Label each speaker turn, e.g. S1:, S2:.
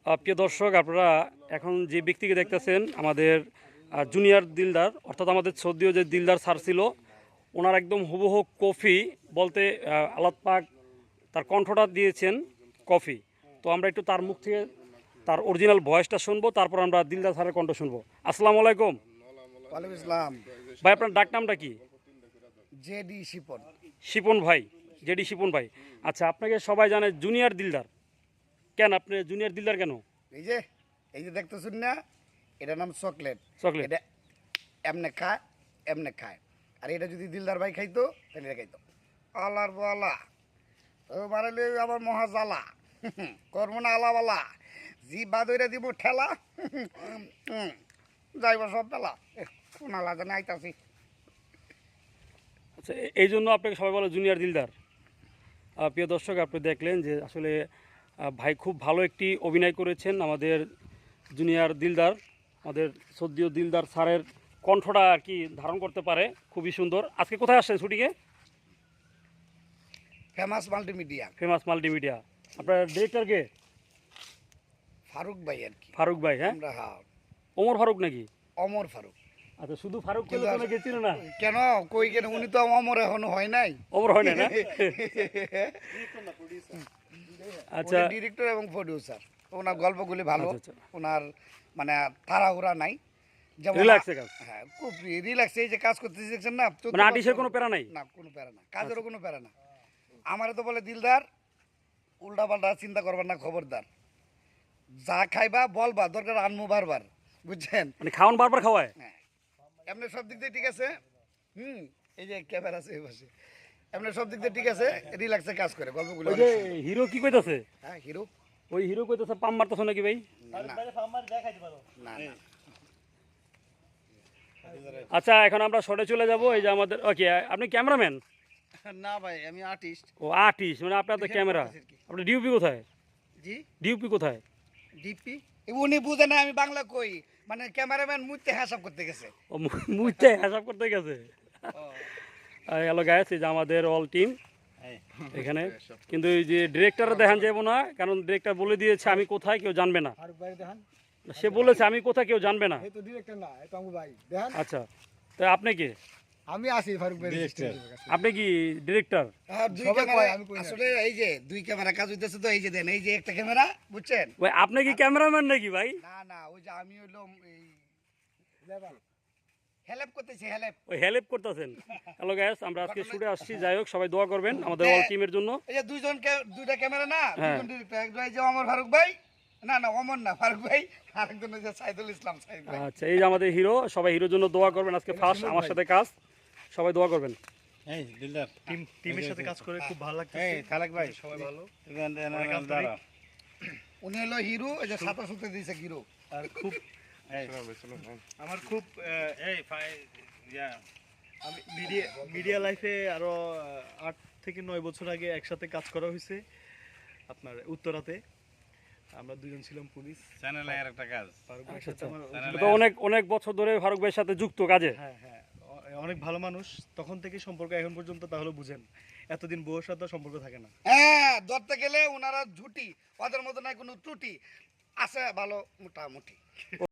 S1: প্রিয় দর্শক, আপনারা এখন যে ব্যক্তিকে দেখতেছেন আমাদের জুনিয়র দিলদার, অর্থাৎ আমাদের সৌদিও যে দিলদার স্যার ছিল, ওনার একদম হুবহু কফি বলতে আল্লাহ পাক তার কণ্ঠটা দিয়েছেন কফি। তো আমরা একটু তার মুখ থেকে তার অরিজিনাল ভয়েসটা শুনবো, তারপর আমরা দিলদার স্যারের কণ্ঠ শুনবো। আসসালামু আলাইকুম।
S2: ওয়ালাইকুম আসসালাম।
S1: ভাই, আপনার ডাক নামটা কি?
S2: জেডি শিপন।
S1: শিপন ভাই, জেডি শিপন ভাই। আচ্ছা, আপনাকে সবাই জানে জুনিয়র দিলদার। কেন আপনি জুনিয়র দিলদার কেন?
S2: এই যে এই যে দেখতেছেন না, এটার নাম চকলেট।
S1: চকলেট।
S2: এটা এমনে খায়, এমনে খায়। আর এটা যদি দিলদার ভাই খাইতো তাহলে এটা খাইতো আলার বালা। ও মারালে আবার মহা জ্বালা, করবো না আলাবালা, জি বাদইরা দিব ঠেলা, যাইব সব বেলা শোনালা জানে আইতাছি।
S1: আচ্ছা, এই জন্য আপনাকে সবাই বলে জুনিয়র দিলদার। প্রিয় দর্শক, আপনি দেখলেন যে আসলে ভাই খুব ভালো একটি অভিনয় করেছেন। আমাদের জুনিয়র দিলদার, আমাদের সদ্যীয় দিলদার স্যারের কণ্ঠটা আর কি ধারণ করতে পারে, খুবই সুন্দর। আজকে কোথায় আসছেন শুটিংয়ে?
S2: Famous multimedia.
S1: Famous multimedia. আপনার ডিরেক্টরকে?
S2: ফারুক ভাই আর কি।
S1: ফারুক ভাই। হ্যাঁ,
S2: আমরা হ্যাঁ
S1: ওমর ফারুক নাকি?
S2: অমর ফারুক।
S1: আচ্ছা, শুধু ফারুক কেন নাকি চিনো না?
S2: কেন কই কেন, উনি তো অমর এখনো হয় নাই।
S1: ওমর হয় না না? আচ্ছা,
S2: ডিরেক্টর এবং প্রডিউসার। ওনার গল্পগুলি ভালো।
S1: আচ্ছা, আচ্ছা।
S2: ওনার মানে তাড়াহুড়া নাই, যেমন
S1: রিল্যাক্সে কাজ।
S2: হ্যাঁ খুব রিল্যাক্স। এই যে কাজ করতে দেখছেন না,
S1: মানে আর্টিস্টের কোনো প্যারা নাই?
S2: না, কোনো প্যারা না, কাজেরও কোনো প্যারা না। আমারে তো বলে দিলদার, উল্টা পাল্টা চিন্তা করবার না, খবরদার। যা খাইবা বলবা, দরকার আনমু বারবার, বুঝছেন?
S1: মানে খাওয়ান বারবার খাওয়ায়?
S2: হ্যাঁ, এমনি সব দিক দিয়ে ঠিক আছে। এই যে ক্যামেরা আছে এই পাশে, এমনি সব দিক দিয়ে ঠিক আছে, রিল্যাক্সে কাজ করে গল্পগুলো।
S1: ওই যে হিরো কি কইতাছে?
S2: হ্যাঁ হিরো।
S1: ওই হিরো কইতাছে পাম মারতেছ নাকি ভাই?
S2: না না।
S1: আচ্ছা, এখন আমরা শর্টে চলে যাব। এই যে আমাদের ওকে, আপনি ক্যামেরাম্যান?
S2: না ভাই, আমি আর্টিস্ট।
S1: ও আর্টিস্ট, মানে আপনার তো ক্যামেরা। আপনার ডিউপি কোথায়?
S2: জি
S1: ডিউপি কোথায়?
S2: ডিপি। উনি বুঝে না আমি বাংলা কই, মানে ক্যামেরাম্যান মুইতে হিসাব করতে গেছে।
S1: ও মুইতে হিসাব করতে গেছে। হ্যালো গাইস, এই যে আমাদের অল টিম এখানে। কিন্তু এই যে ডিরেক্টর দেখান যাবো না, কারণ ডিরেক্টর বলে দিয়েছে আমি কোথায় কেউ জানবে না। সে বলেছে আমি কোথায় কেউ জানবে না। আচ্ছা, তো আপনি কি?
S3: আমি আছি ফারুক ভাই।
S1: আপনি কি ডিরেক্টর?
S2: আসলে এই যে দুই ক্যামেরা কাজ হইতেছে, তো এই যে দেন, এই যে একটা ক্যামেরা, বুঝছেন?
S1: ভাই, আপনি কি ক্যামেরাম্যান নাকি ভাই?
S2: না না, ওই যে আমি হইলো এই হেল্প করতেছি, হেল্প।
S1: ওই হেল্প করতেছেন। হ্যালো গাইস, আমরা আজকে শুটে আসছি। যাই হোক, সবাই দোয়া করবেন আমাদের অল টিমের জন্য।
S2: এই যে দুইটা ক্যামেরা না,
S1: হ্যাঁ।
S2: দুইজন ডিরেক্টর, একজন এই যে অমর ফারুক ভাই, না না অমর না, ফারুক ভাই, আরেকজন হচ্ছে সাইদুল ইসলাম সাইদ ভাই।
S1: আচ্ছা, এই যে আমাদের হিরো, সবাই হিরোর জন্য দোয়া করবেন। আজকে ফার্স্ট আমার সাথে কাজ, সবাই দোয়া করবেন।
S4: এই দিলদার
S3: টিমের সাথে কাজ করে খুব ভালো লাগছে।
S4: এই খালেক ভাই
S3: সবাই ভালো।
S4: দাঁড়া
S2: উনি হলো হিরো, এই যে সাতা সুতে দিয়েছে হিরো।
S3: আর খুব
S4: এই
S3: আমার খুব এই আমি মিডিয়া লাইফে আরো 8 থেকে 9 বছর আগে একসাথে কাজ করা হয়েছে আপনার উত্তরাতে। আমরা দুজন ছিলাম পুলিশ।
S4: চ্যানেলে আর একটা কাজ
S3: ফারুক ভাইয়ের সাথে আমার
S1: তো অনেক অনেক বছর ধরে ফারুক ভাইয়ের সাথে যুক্ত কাজে।
S3: হ্যাঁ হ্যাঁ, অনেক ভালো মানুষ তখন থেকে সম্পর্ক এখন পর্যন্ত, তাহলে বুঝেন এতদিন বউয়ের সাথে সম্পর্ক থাকে না।
S2: হ্যাঁ, ধরতে গেলে ওনারা ঝুটি, ওদের মধ্যে নাই কোনো ত্রুটি আছে, ভালো মোটামুটি।